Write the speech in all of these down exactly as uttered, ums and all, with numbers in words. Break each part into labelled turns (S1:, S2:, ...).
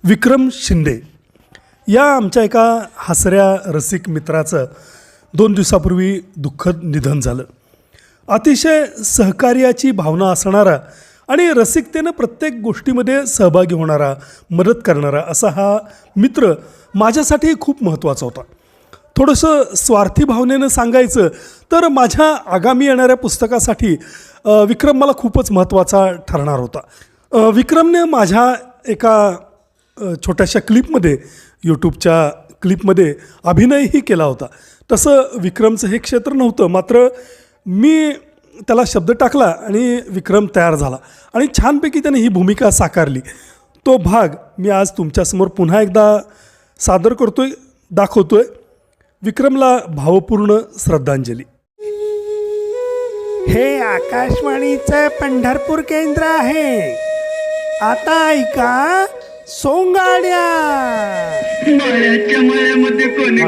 S1: विक्रम शिंदे या आमच्या एका हसऱ्या रसिक मित्राचं दोन दिवसापूर्वी दुःखद निधन झालं. अतिशय सहकार्याची भावना असणारा आणि रसिकतेनं प्रत्येक गोष्टीमध्ये सहभागी होणारा, मदत करणारा असा हा मित्र माझ्यासाठी खूप महत्त्वाचा होता. थोडंसं स्वार्थी भावनेनं सांगायचं तर माझ्या आगामी येणाऱ्या पुस्तकासाठी विक्रम मला खूपच महत्त्वाचा ठरणार होता. विक्रमने माझ्या एका छोट्याशा क्लिपमध्ये, यूट्यूबच्या क्लिपमध्ये अभिनयही केला होता. तसं विक्रमचं हे क्षेत्र नव्हतं, मात्र मी त्याला शब्द टाकला आणि विक्रम तयार झाला आणि छानपैकी त्याने ही भूमिका साकारली. तो भाग मी आज तुमच्यासमोर पुन्हा एकदा सादर करतोय, दाखवतोय. विक्रमला भावपूर्ण श्रद्धांजली.
S2: हे आकाशवाणीचं पंढरपूर केंद्र आहे. आता ऐका सोंगाड्या.
S3: मायाच्या मायामध्ये कोणी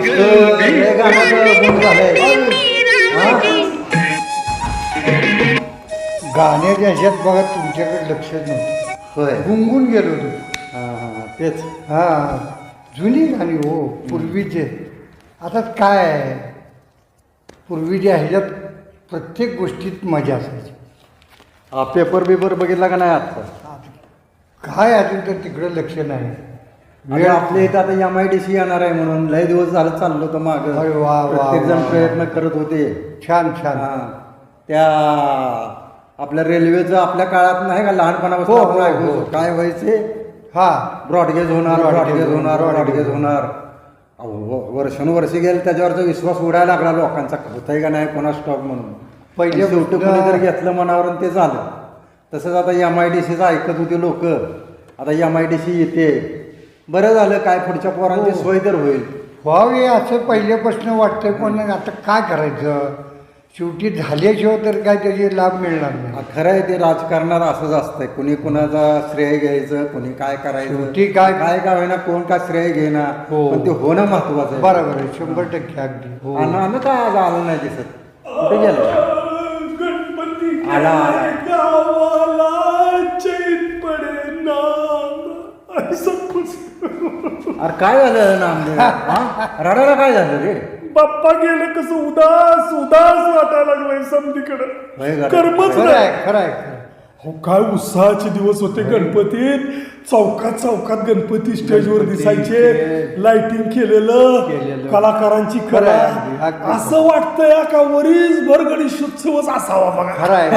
S4: गाण्याच्या ह्याच्यात बघा तुमच्याकडे लक्ष नव्हतं.
S5: होय.
S4: गुंगून गेलो तू.
S5: हां हां तेच
S4: हां, जुनी गाणी हो, पूर्वीचे. आता काय आहे, पूर्वीच्या ह्याच्यात प्रत्येक गोष्टीत मजा असायची.
S5: हा पेपर बिपर बघितला का नाही आत्ता?
S4: काय अजून तर तिकडं लक्ष नाही.
S5: आणि आपल्या इथं आता एम आय डी सी येणार आहे म्हणून लय दिवस झालं चाललो होतं मागं.
S4: अरे वा वा
S5: प्रत्येक जण
S4: वा.
S5: प्रयत्न करत होते.
S4: छान छान.
S5: हां त्या आपल्या रेल्वेचं आपल्या काळात नाही का लहानपणापासून
S4: हो,
S5: आपण
S4: हो,
S5: ऐकत
S4: हो.
S5: होतो. काय व्हायचे,
S4: हा
S5: ब्रॉडगेज होणार,
S4: Broadgauge
S5: ब्रॉडगेज होणार,
S4: होणार,
S5: ब्रॉडगेज होणार. अहो, व- वर्षानुवर्षे गेले त्याच्यावरचा विश्वास उडायला लागला लोकांचा, होतंय का नाही कोणा स्टॉक म्हणून.
S4: पहिले
S5: आणि शेवटी
S4: पुन्हा-
S5: कोणी जर घेतलं मनावर आणि ते झालं. तसंच आता एम आय डी सीचं ऐकत होते लोक. आता एम आय डी सी येते, बरं झालं काय पुढच्या पोरांची
S4: हो.
S5: सोय तर होईल.
S4: व्हावे असं पहिल्यापासून वाटतंय, पण आता काय करायचं, शेवटी झाल्याशिवाय तर काय त्याचे लाभ मिळणार नाही.
S5: खरं आहे ते राजकारणात असंच असतंय, कुणी कुणाचा श्रेय घ्यायचं, कुणी काय करायचं.
S4: शेवटी काय-
S5: काय काय होईना, कोण काय श्रेय घेणार,
S4: हो.
S5: पण ते होणं महत्वाचं आहे.
S4: बरोबर आहे, शंभर टक्के अगदी. हो.
S5: आणि आलं काय आज आलं नाही दिसत, कुठे गेलं?
S1: गणपती
S5: आला, आला.
S1: गावाला चैन पडेना. असं खुश.
S5: अरे काय झालं नामदेव? हा? रडायला काय झालं रे?
S1: बाप्पा गेलं कसं उदास उदास वाटायला लागलंय
S5: होय
S1: समधीकडे.
S5: गड्या.
S1: कर्मच
S4: खरं
S1: नाही.
S4: आहे खरं आहे खरं.
S1: हो, काय उत्साहाचे दिवस होते गणपतीत. चौकात चौकात गणपती स्टेजवर
S4: गणपती,
S1: दिसायचे,
S4: ते-
S1: लाइटिंग केलेलं,
S4: केलेलं.
S1: कलाकारांची
S4: खरं
S1: कला.
S4: आहे, अगदी, अगदी.
S1: असं वाटतंय का वरीसभर गणेशोत्सवच असावा बघा.
S4: खरं आहे.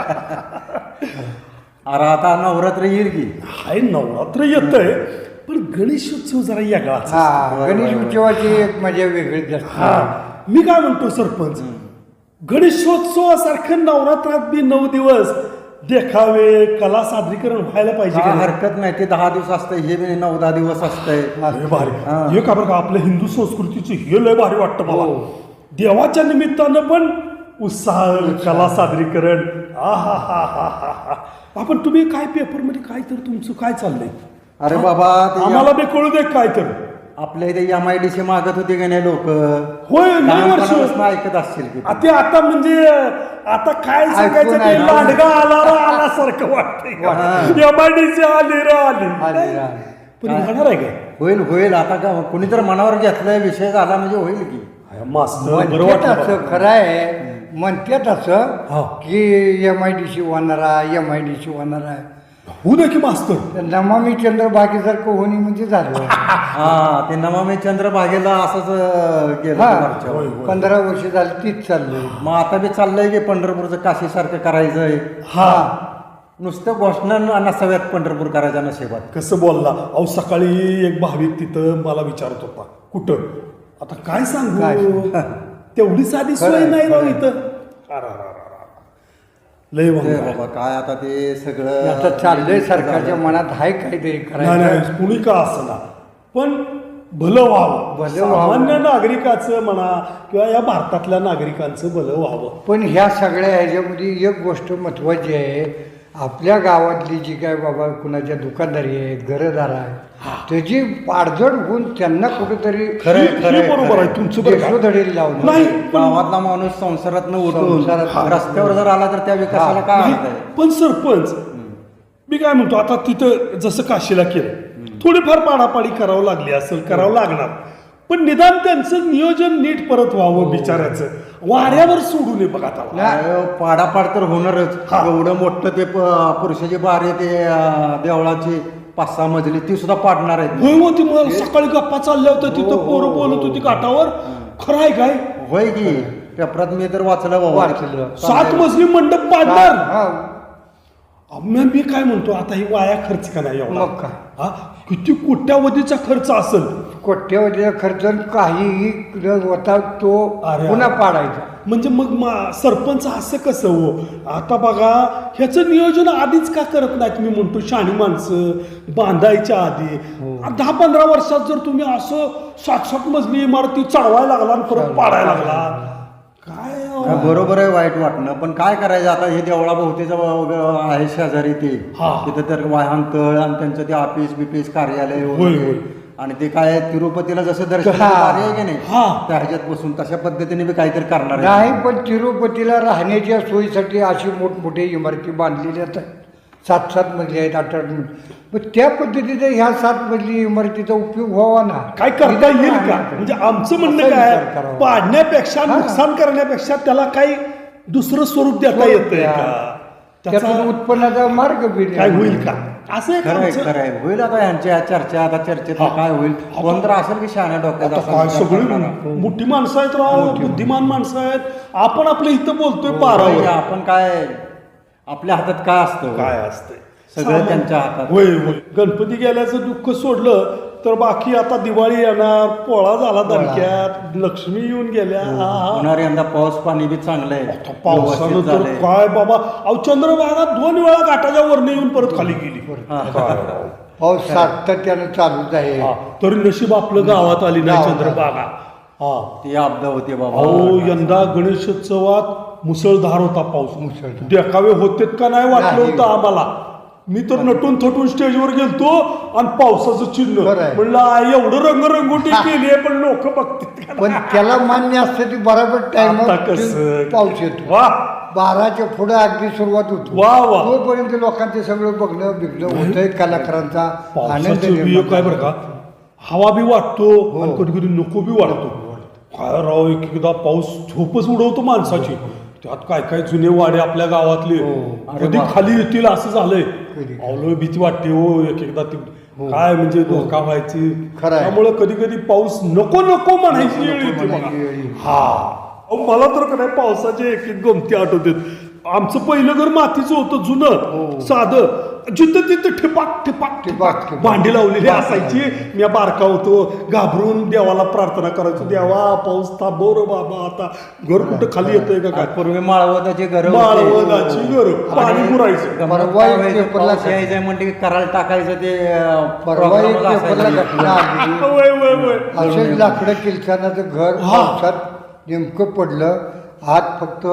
S5: अरे आता नवरात्र येईल की.
S1: हाय, नवरात्र येतंय पण गणेशोत्सव जरा वेगळाच.
S4: हा, गणेश उत्सवाची एक मजा वेगळीच असते.
S1: हा, मी काय म्हणतो सरपंच, गणेशोत्सवासारखं नवरात्रात बी नऊ दिवस देखावे, कला सादरीकरण व्हायला पाहिजे
S5: काय
S1: का नाही?
S5: हरकत नाही, ते दहा दिवस असतंय, हे बी नऊ दहा दिवस असतंय.
S1: अरे भारी.
S5: हा.
S1: हे का बरं का आपल्या हिंदू संस्कृतीचे हे लय भारी वाटतं मला.
S4: हो.
S1: देवाच्या निमित्तानं पण उत्साह, कला सादरीकरण. आ हा हा हा हा हा. आपण तुम्ही काय पेपरमध्ये काय तर तुमचं काय चाललंय?
S5: अरे बाबा ते
S1: आम्हाला बी कळू दे काय तर.
S5: आपल्या इथे एम आय डी सी मागत होते का नाही लोक?
S1: होय, लय वर्ष.
S5: ऐकत असतील की.
S1: आ, ते आता म्हणजे आता काय सांगायचं, ते
S4: ऐकून
S1: लांडगा आला रा आल्यासारखं वाटतंय. एमआयडीसी आली रा आली.
S4: आली रा आली.
S1: पण होणार आहे काय?
S5: होईल होईल, आता का कुणी तर मनावर घेतलाय, विषय झाला म्हणजे होईल की.
S1: मस्त बरं
S4: म्हणतात
S1: वाटलं
S4: असं,
S1: बघा.
S4: खरं आहे, म्हणतात असं
S1: हा.
S4: की एम आय डी सी होणार आहे, एम आय डी सी होणार आहे.
S1: होऊ दे की मास्तर.
S4: तर नमामी चंद्रभागेसारखं होणी म्हणजे झालं.
S5: हा, ते नमामी चंद्रभागेला असंच अं, केलं
S4: हा.
S5: होतं मागच्या वेळी.
S4: पंधरा वर्ष झाली तीच चाललंय.
S5: मग आता बी चाललंय की पंढरपूरचं काशीसारखं करायचंय.
S1: हा,
S5: नुसतं घोषणा नसाव्यात पंढरपूर करायच्या नशिबात.
S1: कसं बोलला अहो. सकाळी एक भाविक तिथं मला विचारत होता, कुठं आता काय
S4: काय
S1: सांगू,
S4: सांगू?
S1: तेवढी साधी
S4: खरं
S1: सोय
S4: आहे,
S1: नाही राव
S4: खरं आहे.
S1: इथं. अरा, अरा, अरा, अरा. लय
S5: ते
S1: वांग.
S5: बाबा काय आता ते सगळं
S4: आता चाललंय, सरकारच्या मनात आहे काहीतरी
S1: नाही
S4: करायचं.
S1: नाही, कुणी का असना पण भलं व्हावं.
S4: भलं व्हावं.
S1: सामान्य नागरिकाचं म्हणा किंवा या भारतातल्या नागरिकांचं भलं व्हावं.
S4: पण ह्या सगळ्या ह्याच्यामध्ये एक गोष्ट महत्वाची आहे, आपल्या गावातली जी काय बाबा कुणाच्या दुकानदारी आहेत, घरदार आहे, त्याची पाडझड होऊन त्यांना कुठेतरी
S5: खरं आहे,
S1: हे-
S5: खरं
S1: हे
S5: आहे,
S1: बरोबर आहे तुमचं बरं का?
S4: देशोधडीला लावणं.
S1: नाही पण
S5: गावातला माणूस संसारात उठून
S4: संसारातनं
S5: रस्त्यावर जर आला तर त्या विकासाला
S4: हा.
S5: काय
S1: नाही,
S5: अर्थ आहे?
S1: पण सरपंच मी काय म्हणतो, आता तिथं जसं काशीला केलं थोडीफार पाडापाडी करावं लागली असेल करावं लागणार पण निदान त्यांचं नियोजन नीट परत व्हावं बिचाऱ्याचं वाऱ्यावर सोडू नये बघा आता.
S5: अरे, पाडापाड तर होणारच.
S1: हा.
S5: एवढं मोठं ते प- पुरुषाची बारी ते अं, देवळाची पाच सहा मजली ती सुद्धा पाडणार आहेत.
S1: होय होती मग सकाळी गप्पा चालल्या होत्या तिथं पोरं बोलत होती काठावर खरं आहे काय
S5: होय की पेपरात मी तर वाचलं बाबा.
S4: वाचलं.
S1: सात मजली मंडप पाडणार
S4: हा,
S1: मी मी काय म्हणतो आता ही वाया खर्च का नाही एवढा?
S4: मग काय?
S1: हा किती कोट्यावधीचा खर्च असेल
S4: कोट्यवधीचा खर्च काहीही न होता तो
S1: अरे.
S4: पुन्हा पाडायचा.
S1: म्हणजे मग मा- सरपंच असं कसं हो आता बघा ह्याचं नियोजन आधीच का करत नाहीत मी म्हणतो शाणी माणसं बांधायच्या आधी दहा पंधरा वर्षात जर तुम्ही असं सात सात मजली इमारती चढवायला लागला आणि परत पाडायला लागला काय अहो?
S5: काय बरोबर आहे वाईट वाटणं पण काय करायचं आता हे देवळा भोवतीचं आहे शेजारी ते
S1: हा.
S5: तिथं तर वाहनतळ आणि त्यांचं ते ऑफिस बिफिस कार्यालय
S1: होय,
S5: वगैरे.
S1: होय.
S5: आणि ते काय तिरुपतीला जसं दर्शन
S4: हा.
S5: कार्य आहे की नाही
S1: हा.
S5: त्या ह्याच्यात बसून तशा पद्धतीने बी काहीतरी करणार आहे.
S4: नाही पण तिरुपतीला राहण्याच्या सोयीसाठी अशी मोठमोठ्या इमारती बांधलेल्या आहेत सात सात मजली आहेत आठ आठ मजली पण त्या पद्धतीचा ह्या सात मजली इमारतीचा उपयोग व्हावा ना.
S1: काय करता येईल का म्हणजे आमचं म्हणणं
S4: असा
S1: काय
S4: विचार करावा.
S1: पाडण्यापेक्षा नुकसान करण्यापेक्षा त्याला काही दुसरं स्वरूप देता येतंय का
S4: त्यातून
S1: त्याचा
S4: उत्पन्नाचा मार्ग बी
S1: काय होईल का असं एक
S5: खरं आहे
S1: आमचं-
S5: खरं आहे होईल आता यांच्या चर्चा आता चर्चेत
S1: हा.
S5: काय होईल कोण तर असेल की शहाण्या डोक्यात
S1: आता
S5: असा
S1: काय
S5: विचार
S1: सगळी
S5: करणारा.
S1: मोठी माणसं आहेत राव बुद्धिमान माणसं आहेत आपण आपल्या इथं बोलतोय
S5: होय,
S1: पारावर
S5: आपण काय आपल्या हातात काय असतं
S1: काय असतंय
S5: सगळं त्यांच्या हातात.
S1: होय होय गणपती गेल्याचं दुःख सोडलं तर बाकी आता दिवाळी येणार पोळा झाला दणक्यात लक्ष्मी येऊन गेल्या हा, हा.
S5: होणार यंदा पाऊस पाणी बी चांगलं आहे
S1: आता पावसानं
S5: व्यवस्थित
S1: तर
S5: झालंय.
S1: काय बाबा अहो चंद्रभागा दोन वेळा घाटाच्या वरने येऊन परत खाली गेली
S5: हा.
S1: काय राव.
S4: पाऊस सातत्यानं चालूच आहे.
S1: हा, तरी नशीब आपलं गावात आली नाही
S4: गावात.
S1: चंद्रभागा हा
S5: ती आपदा होती बाबा
S1: अहो यंदा गणेशोत्सवात मुसळधार होता पाऊस
S4: मुसळधार.
S1: देखावे होतेत का नाही वाटलं
S4: नाही.
S1: होतं आम्हाला मी तर नटून थटून स्टेजवर गेलतो आणि पावसाचं चिन्ह
S4: खरं आहे.
S1: म्हणलं आ, एवढं रंगरंगोटी केली आहे पण लोक बघतील का
S4: पण
S1: नाही?
S4: त्याला मान्य असतं ती बरोबर टाइम
S1: आता कसं
S4: पाऊस येतो
S1: वा
S4: बाराच्या पुढे अगदी सुरुवात होतो
S1: वा वा
S4: तोपर्यंत लोकांचे सगळं बघणं बिघणं होतंय कलाकारांचा आनंद
S1: पावसाचं बिय
S4: निर्माण
S1: काय बरं का हवा बी वाटतो
S4: हो.
S1: आणि कधी कधी नको बी वाटतो काय राव एक एकदा पाऊस झोपच उडवतो माणसाची त्यात काय काय जुने वाडे आपल्या गावातले कधी खाली येतील असं झालंय
S4: हो. कधी.
S1: अवलो भीती वाटते हो एक एकदा ती काय म्हणजे धोका व्हायची
S4: खरं आहे.
S1: त्यामुळे कधी कधी पाऊस नको नको म्हणायची वेळ येते बघा
S4: म्हणायची वेळ येते.
S1: हा अहो, मला तर काय पावसाचे एक एक गमती आठवतात आमचं पहिलं घर मातीचं होतं जुनं साधं जिथं तिथं ठिपाक ठिपाक
S4: ठिपाक,
S1: ठिपाक
S4: ठिपाक.
S1: भांडी लावलेली असायची मी बारका होतो घाबरून देवाला प्रार्थना करायचो देवा पाऊस थांबव रे बाबा आता घर कुठं खाली येतंय का काय
S5: पूर्वी माळवदाची घर
S1: माळवदाची घर पाणी पुरायचं
S4: परवा एक पेपरला
S5: यायचं म्हणते की करायला टाकायचं ते अं,
S4: परवा एक
S5: program
S4: पेपरला
S5: असायचा.
S4: घटना आली
S1: वय वय वय
S4: असेच लाकडं किलसानाचं घर
S1: हा.
S4: पावसात नेमकं पडलं आत फक्त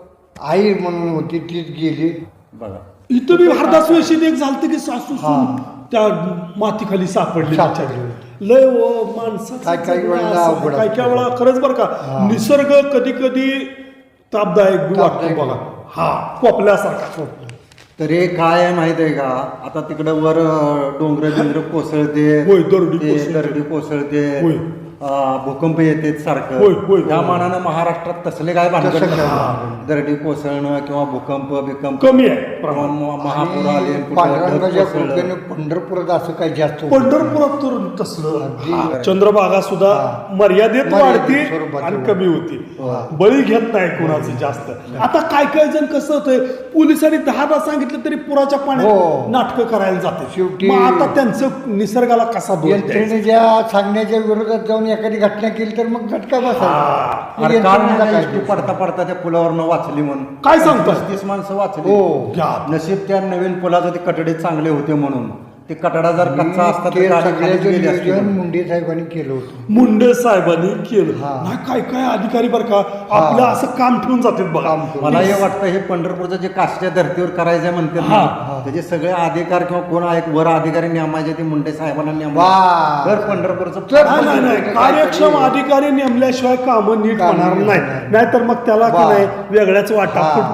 S4: आई म्हणून होती तीच गेली.
S5: बघा
S1: इथं बी हरदास वेशीत एक झालतं की सासू सून त्या मातीखाली सापडली
S4: सापडली.
S1: बिचारी. लय व माणसं
S4: काय काय वेळेला अवघड
S1: काय काय वेळा खरंच बरं का निसर्ग कधी कधी तापदायक बी वाटतो
S4: तापदायक.
S1: बघा हा कोपल्यासारखा
S5: तरी काय आहे माहित आहे का आता तिकडं वर डोंगर बिंगर कोसळते
S1: होय, दरडी
S5: ते
S1: कोसळते.
S5: दरडी कोसळते
S1: होय.
S5: अं, भूकंप येते
S1: होय,
S5: सारखं
S1: होय,
S5: त्या
S1: होय.
S5: मानानं महाराष्ट्रात तसले काय भानगड
S4: तसं काय
S5: नसतात.
S4: भानगड.
S5: दरडी कोसळणं किंवा भूकंप बिकंप
S1: कमी आहे
S5: किंवा
S1: प्रमाण
S5: म- महापूर आले
S4: आणि
S5: कुठं
S4: पांडुरंगाच्या
S5: ढग कोसळलं.
S4: कृपेने पंढरपुरात असं काही जास्त होत
S1: पंढरपुरात तर तसलं
S4: अगदी.
S1: हा, चंद्रभागा सुद्धा मर्यादेत
S4: मर्यादित
S1: वाढते
S4: स्वरूपात
S1: आणि
S4: वाढते.
S1: कमी होती बळी घेत नाही कोणाचं जास्त आता काय काय जण कसं होतंय पोलिसांनी दहादा सांगितलं तरी पुराच्या
S4: हो.
S1: पाण्यात नाटकं करायला जाते
S4: शेवटी-
S1: मग आता त्यांचं निसर्गाला कसा दोष द्यायचा?
S4: यंत्रणेच्या सांगण्याच्या विरोधात जाऊन एखादी घटना केली तर मग झटका बसायचा मग
S5: अरे काल
S4: यंत्रणेला
S5: नाही
S4: काय
S5: एसटी
S4: दोष?
S5: पडता पडता त्या पुलावरनं वाचली म्हणून
S1: काय सांगता?
S5: पस्तीस माणसं वाचली
S4: हो.
S1: घ्या.
S5: नशीब त्या नवीन पुलाचं ते कटडे चांगले होते म्हणून ते कटडा जर कच्चा असता तर
S4: ते
S5: गाडी खाली
S4: सगळ्याचं
S5: गेली असती.
S4: नियोजन मुंडे साहेबांनी केलं होतं.
S1: मुंडे साहेबांनी केलं
S4: हा.
S1: नाही काय काय अधिकारी बरं का आपलं असं काम ठेवून जातात बघा
S4: काम करून.
S5: मला हे वाटतं हे पंढरपूरचं जे काष्टच्या धर्तीवर करायचं म्हणते
S1: हा,
S5: त्याचे सगळे अधिकार किंवा कोण आहे वर अधिकारी नेमायचे ते मुंडे साहेबांना
S4: वा.
S5: नेमायचे तर पंढरपूरचं
S4: तर-
S1: नाही नाही नाही कार्यक्षम अधिकारी नेमल्याशिवाय कामं नीट
S4: कामं
S1: होणार
S4: नीट
S1: नाही
S4: होणार.
S1: नाहीतर मग त्याला की
S4: वा.
S1: नाही वेगळ्याच वाटा
S4: हा.
S1: फुटतात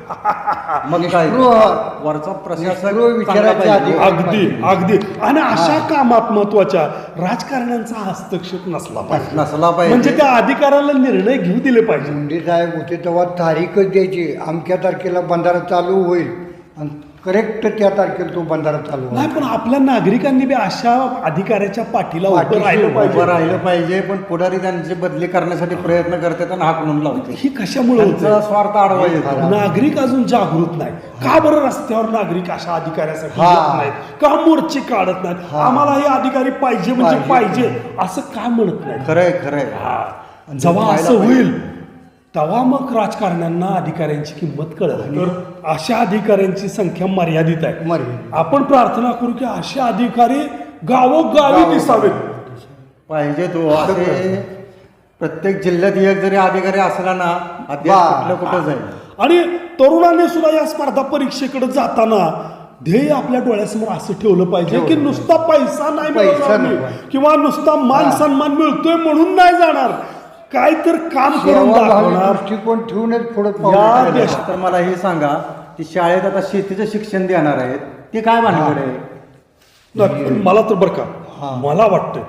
S5: मग काय
S4: निस्पृह-
S5: वरचा प्रशासक
S4: निस्पृह
S5: चांगला
S4: विचारायचा
S5: पाहिजे.
S4: अधिकार.
S1: अगदी अगदी आणि अशा कामात महत्वाच्या राजकारण्यांचा हस्तक्षेप नसला पाहिजे
S5: नसला पाहिजे.
S1: म्हणजे त्या अधिकाऱ्याला निर्णय घेऊ दिले पाहिजे.
S4: मुंडे साहेब होते तेव्हा तारीखच द्यायची अमक्या तारखेला बंधारा चालू होईल आणि करेक्ट त्या तारखेला तो बंधारा चालू
S1: नाही
S4: होईल.
S1: पण आपल्या नागरिकांनी बी अशा अधिकाऱ्याच्या पाठीला उभं
S4: पाठीशी
S1: राहिलं
S4: उभं
S1: पाहिजे.
S5: उभं राहिलं पाहिजे, पण पुढारी त्यांची बदली करण्यासाठी प्रयत्न करतात आणि हाकलून लावते.
S1: ही कशामुळे
S5: त्यांचा
S1: होतं?
S5: स्वार्थ आडवा येतो.
S1: नागरिक अजून जागृत नाही. का बरं रस्त्यावर नागरिक अशा अधिकाऱ्यासाठी
S4: हा.
S1: येत नाहीत? का मोर्चे काढत नाहीत? आम्हाला हे अधिकारी पाहिजे म्हणजे पाहिजे असं का म्हणत नाही?
S5: खरंय खरंय
S1: हा. जेव्हा असं होईल तेव्हा मग राजकारण्यांना अधिकाऱ्यांची किंमत कळेल. तर अशा अधिकाऱ्यांची संख्या मर्यादित आहे.
S4: मर्यादित.
S1: आपण प्रार्थना करू की असे अधिकारी गावोगावी दिसावेत.
S5: पाहिजे तो असे प्रत्येक जिल्ह्यात एक जरी अधिकारी असला ना अध्यक्ष
S4: वा.
S5: कुठलं कुठं जाईल.
S1: आणि तरुणांनी सुद्धा या स्पर्धा परीक्षेकडे जाताना ध्येय आपल्या डोळ्यासमोर असं ठेवलं पाहिजे की नुसता पैसा नाही
S4: पैसा
S1: मिळवणार मी,
S4: नको.
S1: किंवा नुसता मान सन्मान मिळतोय म्हणून नाही जाणार, काय तर काम करून
S4: सेवाभावी
S1: दाखवणार.
S4: दृष्टिकोन ठेवूनच पुढे
S1: या
S4: पाऊल
S1: देश-
S5: तर मला हे सांगा की शाळेत आता शेतीचं शिक्षण देणार आहेत ते काय भानगड आहे.
S1: नाही, पण मला तर बरं का मला वाटतं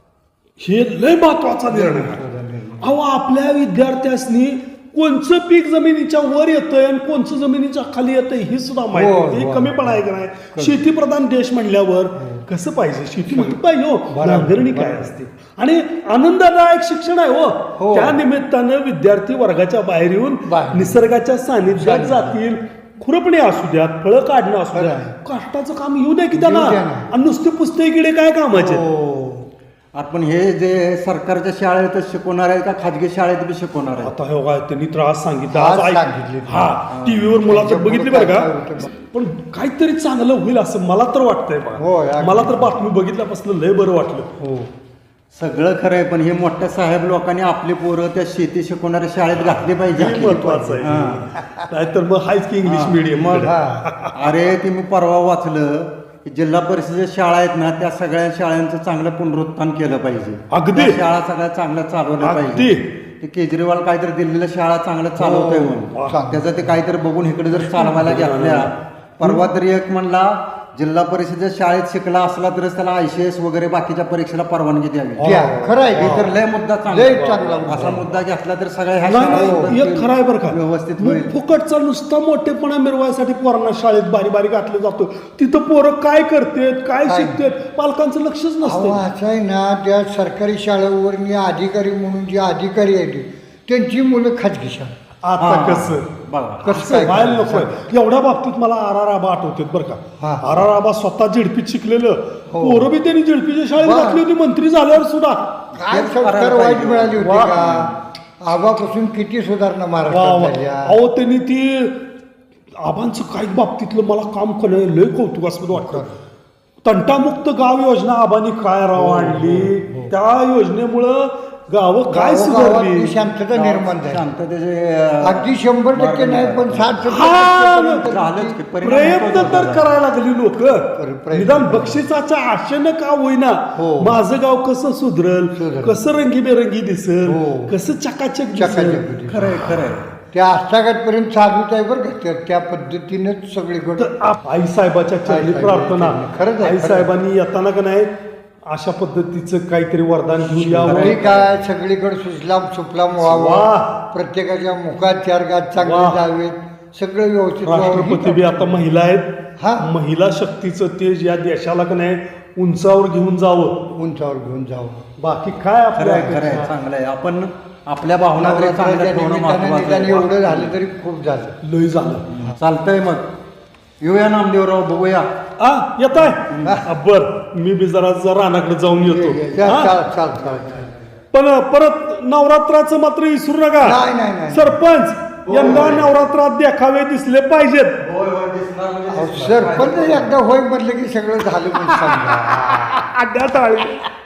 S1: हे लय महत्वाचा निर्णय आहे. अहो आपल्या विद्यार्थ्यांनी कोणचं पीक जमिनीच्या वर येतंय आणि कोणचं जमिनीच्या खाली येतंय हे सुद्धा
S4: हो,
S1: माहिती.
S4: हो.
S1: हे कमी पण आहे का नाही? शेतीप्रधान देश म्हणल्यावर कसं पाहिजे? शेतीमध्ये पाहिजे हो
S4: बरोबर,
S1: नांगरणी काय
S4: बरोबर.
S1: असते आणि आनंददायक शिक्षण आहे हो.
S4: हो.
S1: त्या निमित्तानं विद्यार्थी वर्गाच्या बाहेर येऊन
S4: बाहेर.
S1: निसर्गाच्या सानिध्यात जातील. खुरपणे असू द्यात, फळं काढणं असू
S4: खरं
S1: द्या,
S4: आहे.
S1: कष्टाचं काम येऊ द्या की त्यांना.
S4: येऊ द्या ना.
S1: आणि नुसते पुस्तकी किडे काय कामाचे?
S4: हो.
S5: आपण हे जे सरकारच्या शाळेतच शिकवणार आहे का खाजगी शाळेत बी शिकवणार आहे.
S1: आता हे बघा त्यांनी त्रास सांगितला
S4: आज
S1: आज ऐक-
S4: सांगितले.
S1: हा टीव्हीवर मुलाखत बघितली बरं
S4: काय
S1: का,
S4: होतं?
S1: पण काहीतरी चांगलं होईल असं मला तर वाटतंय
S4: हो,
S1: बघा.
S4: अगदी.
S1: मला तर बातमी बघितल्यापासून लय बरं वाटलं.
S4: हो.
S5: सगळं खरं आहे, पण हे मोठ्या साहेब लोकांनी आपली पोरं त्या शेती शिकवणाऱ्या शाळेत घातली पाहिजे.
S1: हे महत्वाचं आहे. नाहीतर मग हायच की इंग्लिश मिडियम.
S5: मग
S4: हा.
S5: अरे ते मी परवा वाचलं की जिल्हा परिषदेच्या शाळा आहेत ना त्या सगळ्या शाळांचं चांगलं पुनरुत्थान केलं पाहिजे.
S1: अगदी.
S5: त्या शाळा सगळ्या चांगल्या चालवल्या
S1: अगदी.
S5: पाहिजे. ते केजरीवाल काहीतरी दिल्लीला शाळा चांगलं चालवतोय
S4: हो.
S5: म्हणून त्याचं ते काहीतरी बघून इकडे जर चालवायला घेतल्या. परवा तरी एक म्हणला जिल्हा परिषदेच्या शाळेत शिकला असला तरच त्याला आय सी एस वगैरे बाकीच्या परीक्षेला परवानगी द्यावी.
S4: द्या. खरं आहे
S5: हे
S4: की?
S5: तर लय मुद्दा
S4: लय
S5: चांगला
S4: चांगला मुद्दा.
S5: असा मुद्दा घेतला तर सगळ्या ह्या
S1: नाही
S5: शाळा
S1: नाही एक खरं आहे बरं का,
S5: व्यवस्थित
S1: मग
S5: होईल.
S1: फुकटचा नुसता मोठेपणा मिरवायसाठी पोरांना शाळेत बारी बारी घातलं जातो. तिथं पोरं काय करतेत काय
S4: काय?
S1: शिकतेत पालकांचं लक्षच
S4: अहो
S1: नसतं.
S4: असं आहे ना त्या सरकारी शाळेवर अधिकारी म्हणून जे अधिकारी आहेत त्यांची मुलं खाजगी शाळा.
S1: आता
S5: हा.
S1: कसं
S5: बघा
S4: कसं
S1: असं
S4: काय
S1: व्हायला नकोय. एवढ्या बाबतीत मला आर आर आबा आठवतात बरं का.
S4: हा.
S1: आर आर आबा स्वतः झेडपीत शिकलेलं,
S4: हो.
S1: पोरं बी त्यांनी झेडपीच्या शाळेत
S4: वा.
S1: घातली होती मंत्री झाल्यावर सुद्धा.
S4: काय
S5: हेच
S4: संस्कार
S5: करायला
S4: वाईट
S5: पाहिजे.
S4: मिळाली होती
S1: वा.
S4: का? आबापासून किती सुधारणा
S1: वा
S4: महाराष्ट्रात
S1: वा.
S4: झाल्या.
S1: अहो त्यांनी ती आबांचं काही बाबतीतलं मला काम करणं लय कौतुकास्पद वाटतं. तंटामुक्त गाव योजना आबांनी काय राव आणली. त्या योजनेमुळं गावं काय
S4: गावोगावातली
S1: सुधारली.
S4: शांतता निर्माण झाली.
S5: शांततेचे अं,
S4: अगदी शंभर टक्के नाही पण साठ
S1: हा.
S5: झालंच की, परिणाम
S1: प्रयत्न
S5: होतो
S1: तर
S5: जरा.
S1: करायला लागली लोक.
S4: प्रयत्न.
S1: निदान बक्षिसाच्या आशेनं का होईना
S4: हो.
S1: माझं गाव कसं सुधरल,
S4: सुधरल.
S1: कसं रंगीबेरंगी दिसल,
S4: हो.
S1: कसं चकाचक
S4: चकाचक
S1: दिसल.
S4: होती.
S5: खरंय खरंय.
S4: त्या आस्थागतपर्यंत चालूच आहे बरं का त्या- त्या पद्धतीनेच सगळीकडे
S1: तर आप- आई साहेबाच्या चरणी
S4: आई साहेबाच्या
S1: प्रार्थना.
S4: चरणी. खरंच आहे,
S1: आई
S4: खरंच.
S1: साहेबांनी येताना का नाही अशा पद्धतीचं काहीतरी वरदान घेऊन यावं.
S4: ठीक आहे सगळीकडे सुजलाम सुफलाम
S1: वाह.
S4: व्हावं, प्रत्येकाच्या मुखात चार गात
S1: वाह.
S4: चांगले जावेत, सगळं व्यवस्थित
S1: राष्ट्रपती बी
S4: व्हावं.
S1: आता महिला आहेत.
S4: हा.
S1: महिला शक्तीचं तेज या देशाला का नाही उंचावर घेऊन जावं.
S4: उंचावर घेऊन जावं.
S1: बाकी काय आपल्या
S5: खरंय खरंय
S1: अपेक्षा?
S5: चांगलं आहे. आपण आपल्या भावना तरी चांगल्या
S4: नवरात्राच्या
S5: ठेवणं
S4: निमित्तानं
S5: महत्वाचं
S4: निदान
S5: आहे.
S4: एवढं झालं तरी खूप झालं.
S1: लय झालं.
S5: चालतंय मग येऊया नामदेवराव बघूया.
S1: आ येत आहे बर मी बी जरा जरा रानाकडे जाऊन येतो.
S4: चाल
S1: हा?
S4: चाल चाल चाल चाल.
S1: पण परत नवरात्राचं मात्र विसरू नका.
S4: नाही, नाही, नाही.
S1: सरपंच यंदा नवरात्रात देखावे दिसले पाहिजेत.
S4: अहो, सरपंच एकदा होय म्हटलं की सगळं झालं पण समजा.
S1: अड्ड्या टाळी.